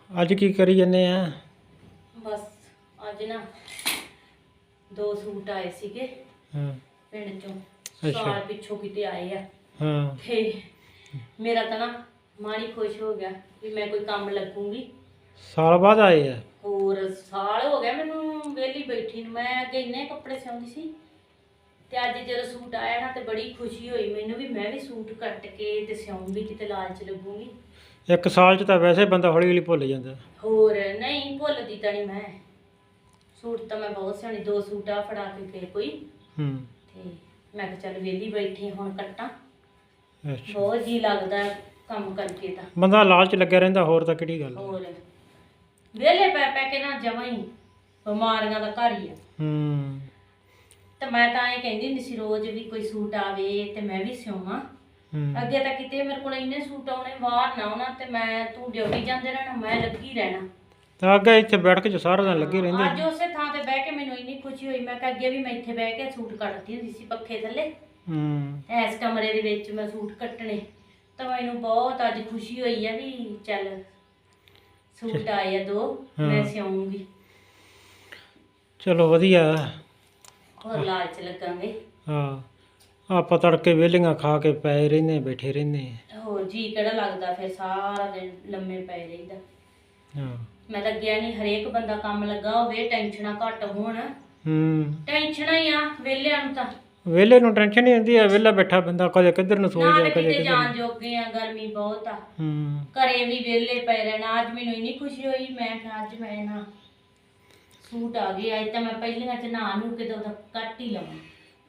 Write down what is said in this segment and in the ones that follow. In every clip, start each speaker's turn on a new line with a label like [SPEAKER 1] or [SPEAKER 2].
[SPEAKER 1] ਅੱਜ ਕੀ ਕਰੀ ਜੰਨੇ ਆ?
[SPEAKER 2] ਬਸ ਅੱਜ ਨਾ 2 ਸੂਟ ਆਏ ਸੀਗੇ
[SPEAKER 1] ਹਾਂ
[SPEAKER 2] ਪਿੰਡ ਚੋਂ।
[SPEAKER 1] ਅੱਛਾ।
[SPEAKER 2] ਸਾਲ ਪਿੱਛੋਂ ਕਿਤੇ ਆਏ ਆ
[SPEAKER 1] ਹਾਂ
[SPEAKER 2] ਤੇ ਮੇਰਾ ਤਾਂ ਨਾ ਮਨ ਹੀ ਖੁਸ਼ ਹੋ ਗਿਆ ਵੀ ਮੈਂ ਕੋਈ ਕੰਮ ਲੱਗੂੰਗੀ।
[SPEAKER 1] ਸਾਲ ਬਾਅਦ ਆਏ ਆ?
[SPEAKER 2] ਹੋਰ ਸਾਲ ਹੋ ਗਿਆ ਮੈਨੂੰ ਵਿਹਲੀ ਬੈਠੀ ਨੂੰ। ਮੈਂ ਅੱਗੇ ਇੰਨੇ ਕੱਪੜੇ ਸਿਉਂਦੀ ਸੀ ਤੇ ਅੱਜ ਜਦੋਂ ਸੂਟ ਆਇਆ ਨਾ ਤੇ ਬੜੀ ਖੁਸ਼ੀ ਹੋਈ ਮੈਨੂੰ ਵੀ ਮੈਂ ਵੀ ਸੂਟ ਕੱਟ ਕੇ ਤੇ ਸਿਉਂਗੀ, ਕਿਤੇ ਲਾਲਚ ਲੱਗੂੰਗੀ।
[SPEAKER 1] ਇੱਕ ਸਾਲ 'ਚ ਤਾਂ ਵੈਸੇ ਬੰਦਾ ਹੌਲੀ ਹੌਲੀ ਭੁੱਲ ਜਾਂਦਾ।
[SPEAKER 2] ਹੋਰ ਨਹੀਂ ਭੁੱਲਦੀ ਤਾਂ ਨਹੀਂ ਮੈਂ। ਸੂਟ ਤਾਂ ਮੈਂ ਬਹੁਤ ਸਿਉਣੀ। 2 ਸੂਟ ਆ ਫੜਾ ਕੇ ਗਏ ਕੋਈ ਤੇ ਮੈਂ ਕਿਹਾ ਚੱਲ ਵਿਹਲੀ ਬੈਠੀ ਹੁਣ ਕੱਟਾਂ।
[SPEAKER 1] ਅੱਛਾ,
[SPEAKER 2] ਬਹੁਤ ਜੀ ਲੱਗਦਾ ਕੰਮ ਕਰਕੇ ਤਾਂ।
[SPEAKER 1] ਬੰਦਾ ਲਾਲਚ ਲੱਗਿਆ ਰਹਿੰਦਾ, ਹੋਰ ਤਾਂ ਕਿਹੜੀ ਗੱਲ।
[SPEAKER 2] ਹੋਰ ਵਿਹਲੇ ਪੈ ਪੈ ਕੇ ਨਾ ਜਮਾਂ ਹੀ ਬਿਮਾਰੀਆਂ ਦਾ ਘਰ ਹੀ ਆ। ਤੇ ਮੈਂ ਤਾਂ ਇਹ ਕਹਿੰਦੀ ਹੁੰਦੀ ਸੀ ਰੋਜ਼ ਵੀ ਕੋਈ ਸੂਟ ਆਵੇ ਤੇ ਮੈਂ ਵੀ ਸਿਉਵਾਂ। ਅੱਗੇ ਤਾਂ ਕਿਤੇ ਮੇਰੇ ਕੋਲ ਇੰਨੇ ਸੂਟ ਆਉਣੇ ਬਾਹਰ ਨਾ ਆਉਣਾ ਤੇ ਮੈਂ ਤੂੰ ਡਿਊਟੀ ਜਾਂਦੇ ਰਹਿਣਾ, ਮੈਂ ਲੱਗੀ ਰਹਿਣਾ। ਤਾਂ
[SPEAKER 1] ਅੱਗੇ ਇੱਥੇ ਬੈਠ ਕੇ ਸਾਰਾ ਦਿਨ ਲੱਗੇ ਰਹਿੰਦੇ।
[SPEAKER 2] ਅੱਜ ਉਸੇ ਥਾਂ ਤੇ ਬਹਿ ਕੇ ਮੈਨੂੰ ਇੰਨੀ ਖੁਸ਼ੀ ਹੋਈ। ਮੈਂ ਕਿਹਾ ਅੱਗੇ ਵੀ ਮੈਂ ਇੱਥੇ ਬਹਿ ਕੇ ਸੂਟ ਕੱਟਦੀ ਹੁੰਦੀ ਸੀ ਪੱਖੇ ਥੱਲੇ। ਇਸ ਕਮਰੇ ਦੇ ਵਿੱਚ ਮੈਂ ਸੂਟ ਕੱਟਣੇ। ਤਾਂ ਮੈਨੂੰ ਬਹੁਤ ਅੱਜ ਖੁਸ਼ੀ ਹੋਈ ਆ ਵੀ ਚੱਲ ਸੂਟ ਆਏ ਆ 2 ਮੈਂ ਸਿਉਂਗੀ।
[SPEAKER 1] ਚਲੋ ਵਧੀਆ।
[SPEAKER 2] ਹੋਰ ਲਾਲਚ ਲੱਗਾਂਗੇ।
[SPEAKER 1] ਹਾਂ ਆਪਾਂ ਤੜਕੇ ਵਿਹਲੀਆਂ ਖਾ ਕੇ ਪਏ ਰਹਿੰਦੇ, ਬੈਠੇ ਰਹਿੰਦੇ।
[SPEAKER 2] ਹੋਰ ਜੀ ਕਿਹੜਾ ਲੱਗਦਾ ਫਿਰ ਸਾਰਾ ਦਿਨ ਲੰਮੇ ਪਏ ਰਹੀਦਾ।
[SPEAKER 1] ਹਾਂ
[SPEAKER 2] ਮੈਂ ਤਾਂ ਗਿਆ ਨਹੀਂ। ਹਰੇਕ ਬੰਦਾ ਕੰਮ ਲੱਗਾ ਹੋਵੇ, ਟੈਨਸ਼ਨਾਂ ਘੱਟ ਹੋਣ। ਟੈਨਸ਼ਨਾਂ ਹੀ ਆ ਵਿਹਲਿਆਂ ਨੂੰ ਤਾਂ।
[SPEAKER 1] ਵਿਹਲੇ ਨੂੰ ਟੈਨਸ਼ਨ ਨਹੀਂ ਹੁੰਦੀ ਆ। ਵਿਹਲਾ ਬੈਠਾ ਬੰਦਾ ਕਦੇ ਕਿੱਧਰ ਨੂੰ ਸੋਚਦਾ,
[SPEAKER 2] ਨਾ
[SPEAKER 1] ਕਦੇ
[SPEAKER 2] ਕਿਤੇ
[SPEAKER 1] ਕਿੱਧਰ
[SPEAKER 2] ਜਾਣ ਜੋਗੇ ਆ, ਗਰਮੀ ਬਹੁਤ ਆ। ਘਰੇ ਵੀ ਵਿਹਲੇ ਪਏ ਰਹਿਣਾ। ਅੱਜ ਮੈਨੂੰ ਇੰਨੀ ਖੁਸ਼ੀ ਹੋਈ ਮੈਂ ਕਿਹਾ ਅੱਜ ਮੈਂ ਨਾ ਸੂਟ ਆ ਗਏ। ਅੱਜ ਤਾਂ ਮੈਂ ਪਹਿਲੀਆਂ ਚ ਨਹਾ ਨੂੰ ਕੇ ਤਾਂ ਕੱਟ ਹੀ ਲਵਾਂ।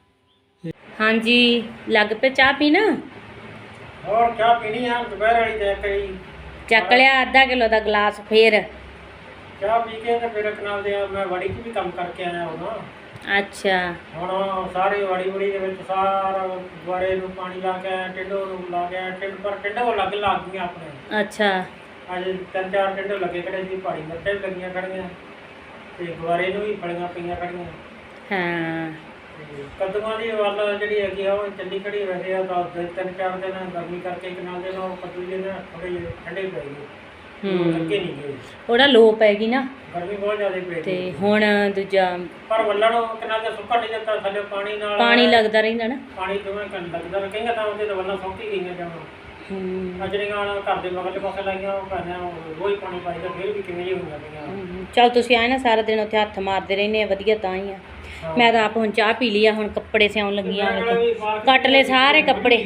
[SPEAKER 2] ਹਾਂਜੀ ਲੱਗ ਪਏ ਚਾਹ ਪੀਣਾ?
[SPEAKER 1] ਹੋਰ ਚਾਹ ਪੀਣੀ ਆ ਦੁਪਹਿਰ ਵਾਲੀ ਤੇ ਕਰੀ
[SPEAKER 2] ਚੱਕ ਲਿਆ ਅੱਧਾ ਕਿਲੋ ਦਾ ਗਲਾਸ। ਫੇਰ
[SPEAKER 1] ਚਾਹ ਪੀ ਕੇ ਤੇ ਫਿਰ ਨਾਲ ਦੇ ਮੈਂ ਵੜੀ 'ਚ ਵੀ ਕੰਮ ਕਰਕੇ ਆਇਆ ਹੁਣ।
[SPEAKER 2] ਅੱਛਾ।
[SPEAKER 1] ਹੁਣ ਸਾਰੇ ਵੜੀ ਦੇ ਵਿੱਚ ਸਾਰਾ ਗੁਆਰੇ ਨੂੰ ਪਾਣੀ ਲਾ ਕੇ ਆਇਆ, ਟਿੰਡੋ ਨੂੰ ਲਾ ਕੇ ਆਇਆ। ਟਿੰਡੋ ਅਲੱਗ ਲੱਗ ਗਈਆਂ ਆਪਣੇ।
[SPEAKER 2] ਅੱਛਾ।
[SPEAKER 1] ਅੱਜ 3-4 ਟਿੰਡੋ ਲੱਗੇ ਖੜੇ ਸੀ। ਪਹਾੜੀ ਮਿਰਚਾਂ ਵੀ ਲੱਗੀਆਂ ਖੜੀਆਂ ਤੇ ਗੁਆਰੇ ਨੂੰ ਵੀ ਫਲੀਆਂ ਪਈਆਂ ਖੜੀਆਂ।
[SPEAKER 2] ਹਾਂ
[SPEAKER 1] ਕੱਦੂਆਂ ਦੀ ਵੱਲ ਜਿਹੜੀ ਹੈਗੀ ਆ ਉਹ ਚੱਲੀ ਖੜੀ। ਵੈਸੇ ਆ ਤਾਂ 3-4 ਦਿਨ ਗਰਮੀ ਕਰਕੇ ਇੱਕ ਨਾਲ ਦੇ ਨਾਲ ਕੱਦੂ ਜਿਹੇ ਨਾ ਥੋੜ੍ਹੇ ਜਿਹੇ ਠੰਡੇ ਪੈ ਗਏ। ਲੱਗੇ ਨਹੀਂ ਗਏ।
[SPEAKER 2] ਉਹਦਾ ਲੋ ਪੈ ਗਈ ਨਾ
[SPEAKER 1] ਗਰਮੀ ਬਹੁਤ ਜ਼ਿਆਦਾ ਪੈ ਗਈ
[SPEAKER 2] ਤੇ ਹੁਣ ਦੂਜਾ
[SPEAKER 1] ਪਰ ਵੱਲਣ ਕਿੰਨਾ ਤੇ ਸੁੱਕਾ ਨਹੀਂ ਦਿੱਤਾ। ਥੱਲੇ ਪਾਣੀ ਨਾਲ
[SPEAKER 2] ਪਾਣੀ ਲੱਗਦਾ ਰਹਿੰਦਾ ਨਾ।
[SPEAKER 1] ਪਾਣੀ ਦੋਵੇਂ ਲੱਗਦਾ ਨਾ। ਕਈਆਂ ਤਾਂ ਉਹਦੇ ਤਾਂ ਵੱਲਾਂ ਸੁੱਕ ਹੀ ਗਈਆਂ ਜਮਾਂ। ਜਿਹੜੀਆਂ ਘਰ ਦੇ ਮਗਰਲੇ ਪਾਸੇ ਲਾਈਆਂ ਉਹ ਕਹਿੰਦੇ ਰੋਜ਼ ਪਾਣੀ ਪਾਈਦਾ ਫਿਰ ਵੀ ਕਿਵੇਂ ਜਿਹੀ ਹੋਈਆਂ ਪਈਆਂ।
[SPEAKER 2] ਚੱਲ ਤੁਸੀਂ ਆਏ ਨਾ ਸਾਰਾ ਦਿਨ ਉੱਥੇ ਹੱਥ ਮਾਰਦੇ ਰਹਿੰਦੇ ਆ ਵਧੀਆ ਤਾਂ ਹੀ ਆ। ਮੈਂ ਤਾਂ ਆਪ ਹੁਣ ਚਾਹ ਪੀ ਲਈ ਆ। ਹੁਣ ਕੱਪੜੇ ਸਿਉਣ ਲੱਗੀਆਂ। ਕੱਟ ਲਏ ਸਾਰੇ ਕੱਪੜੇ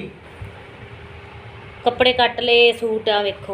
[SPEAKER 2] ਕੱਟ ਲਏ। ਸੂਟ ਆ ਵੇਖੋ।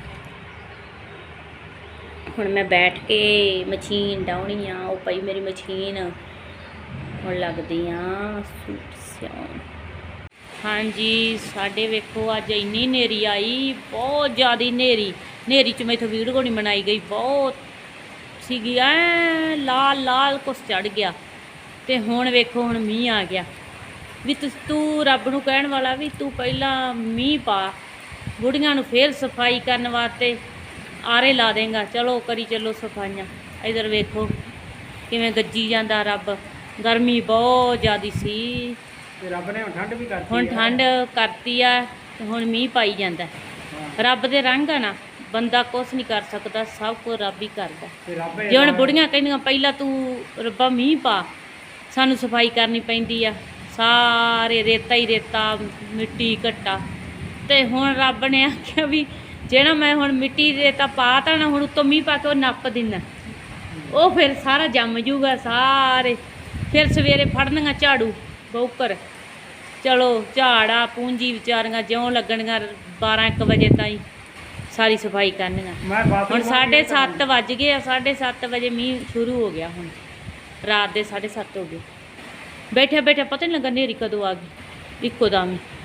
[SPEAKER 2] ਹੁਣ ਮੈਂ ਬੈਠ ਕੇ ਮਸ਼ੀਨ ਡਾਉਣੀ ਆ। ਉਹ ਪਈ ਮੇਰੀ ਮਸ਼ੀਨ। ਹੁਣ ਲੱਗਦੀ ਆ ਸੂਟ ਸਿਉਣ। ਹਾਂਜੀ ਸਾਡੇ ਵੇਖੋ ਅੱਜ ਇੰਨੀ ਹਨੇਰੀ ਆਈ, ਬਹੁਤ ਜ਼ਿਆਦਾ ਹਨੇਰੀ 'ਚ ਮੈਥੋਂ ਵੀਡੀਓ ਨਹੀਂ ਬਣਾਈ ਗਈ। ਬਹੁਤ ਸੀਗੀ ਐ ਲਾਲ ਕੁਛ ਚੜ ਗਿਆ। ਤੇ ਹੁਣ ਵੇਖੋ ਹੁਣ ਮੀਂਹ ਆ ਗਿਆ। ਵੀ ਤੂੰ ਰੱਬ ਨੂੰ ਕਹਿਣ ਵਾਲਾ ਵੀ ਤੂੰ ਪਹਿਲਾਂ ਮੀਂਹ ਪਾ, ਬੁੜੀਆਂ ਨੂੰ ਫੇਰ ਸਫਾਈ ਕਰਨ ਵਾਸਤੇ ਆਰੇ ਲਾ ਦੇਂਗਾ। ਚਲੋ ਕਰੀ ਚੱਲੋ ਸਫਾਈਆਂ। ਇੱਧਰ ਵੇਖੋ ਕਿਵੇਂ ਗੱਜੀ ਜਾਂਦਾ ਰੱਬ। ਗਰਮੀ ਬਹੁਤ ਜ਼ਿਆਦਾ ਸੀ।
[SPEAKER 1] ਰੱਬ ਨੇ ਠੰਡ ਵੀ ਕਰਤੀ।
[SPEAKER 2] ਹੁਣ ਠੰਡ ਕਰਤੀ ਆ ਤੇ ਹੁਣ ਮੀਂਹ ਪਾਈ ਜਾਂਦਾ। ਰੱਬ ਦੇ ਰੰਗ ਆ ਨਾ, ਬੰਦਾ ਕੁਛ ਨਹੀਂ ਕਰ ਸਕਦਾ, ਸਭ ਕੁਝ ਰੱਬ ਹੀ ਕਰਦਾ। ਜੇ ਹੁਣ ਬੁੜੀਆਂ ਕਹਿੰਦੀਆਂ ਪਹਿਲਾਂ ਤੂੰ ਰੱਬਾ ਮੀਂਹ ਪਾ, ਸਾਨੂੰ ਸਫਾਈ ਕਰਨੀ ਪੈਂਦੀ ਆ। ਸਾਰੇ ਰੇਤਾ ਹੀ ਰੇਤਾ, ਮਿੱਟੀ ਘੱਟਾ। ਤੇ ਹੁਣ ਰੱਬ ਨੇ ਆਖਿਆ ਵੀ ਜਿਹੜਾ ਮੈਂ ਹੁਣ ਮਿੱਟੀ ਰੇਤਾ ਪਾ ਤਾ ਨਾ, ਹੁਣ ਉੱਤੋਂ ਮੀਂਹ ਪਾ ਕੇ ਉਹ ਨੱਪ ਦਿੰਦਾ। ਉਹ ਫਿਰ ਸਾਰਾ ਜੰਮ ਜੂਗਾ ਸਾਰੇ। ਫਿਰ ਸਵੇਰੇ ਫੜਨੀਆਂ ਝਾੜੂ ਬੌਕਰ। ਚਲੋ ਝਾੜਾ ਪੂੰਜੀ ਵਿਚਾਰੀਆਂ ਜਿਉਂ ਲੱਗਣੀਆਂ 12-1 ਵਜੇ ਤਾਈਂ ਸਾਰੀ ਸਫਾਈ ਕਰਨੀਆਂ। ਹੁਣ 7:30 ਵੱਜ ਗਏ ਆ। 7:30 ਵਜੇ ਮੀਂਹ ਸ਼ੁਰੂ ਹੋ ਗਿਆ। ਹੁਣ ਰਾਤ ਦੇ 7:30 ਹੋ ਗਏ। ਬੈਠਿਆ ਪਤਾ ਨਹੀਂ ਲੱਗਾ ਹਨੇਰੀ ਕਦੋਂ ਆ ਗਈ ਇੱਕੋ ਦਮ।